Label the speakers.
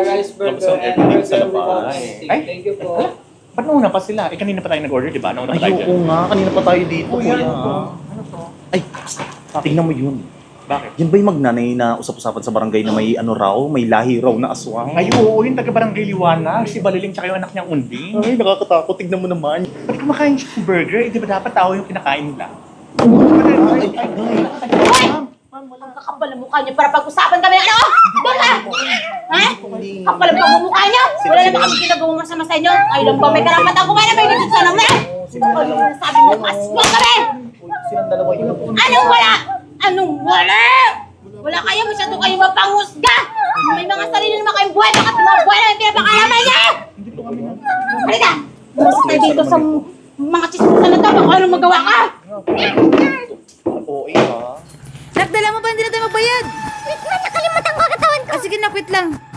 Speaker 1: rice burger
Speaker 2: Lobster
Speaker 1: and
Speaker 2: everything
Speaker 1: burger
Speaker 2: sa
Speaker 1: without
Speaker 2: labas.
Speaker 1: stick.
Speaker 2: Ay,
Speaker 1: Thank you po.
Speaker 2: ba't nauna pa sila? Eh, kanina pa tayo nag-order, di ba? Nauna pa tayo dyan.
Speaker 3: Oo nga, kanina pa tayo dito,
Speaker 2: Oh,
Speaker 3: kuya.
Speaker 2: yan. Ano to?
Speaker 3: Ay, tingnan mo yun.
Speaker 2: Bakit?
Speaker 3: Yan ba yung magnanay na usap-usapan sa barangay na may ano raw, may lahi raw na aswang?
Speaker 2: Ay, oo, yung taga-barangay Liwanag, si Baliling tsaka yung anak niyang Unding.
Speaker 3: Ay, nakakatakot. Tignan mo naman.
Speaker 2: Ba't kumakain siya ng burger? Eh, di ba dapat tao yung kinakain nila?
Speaker 4: Kakapal ang mukha niyo para pag-usapan kami. Ano? Doon ka! Ha? Kapal ang mukha niyo. Wala naman kami ginagawang masama sa inyo. Kayo lang ba may karapatan kumain na may dito sa namin? Sabi mo, aswang kami!
Speaker 3: Silang dalawa yun.
Speaker 4: Anong wala? Anong wala? Wala kayo, masyado kayo mapanghusga! May mga sarili naman kayong buhay, bakit mga buhay na yung pinapakalaman niya? Halika! Bukas tayo dito sa mga chismosa na to, baka anong magawa ka?
Speaker 3: Oo, ha?
Speaker 5: Nak, dala mo ba hindi na tayo magbayad? Wait na, nakalimutan ko katawan ko. Ah, sige na, quit lang.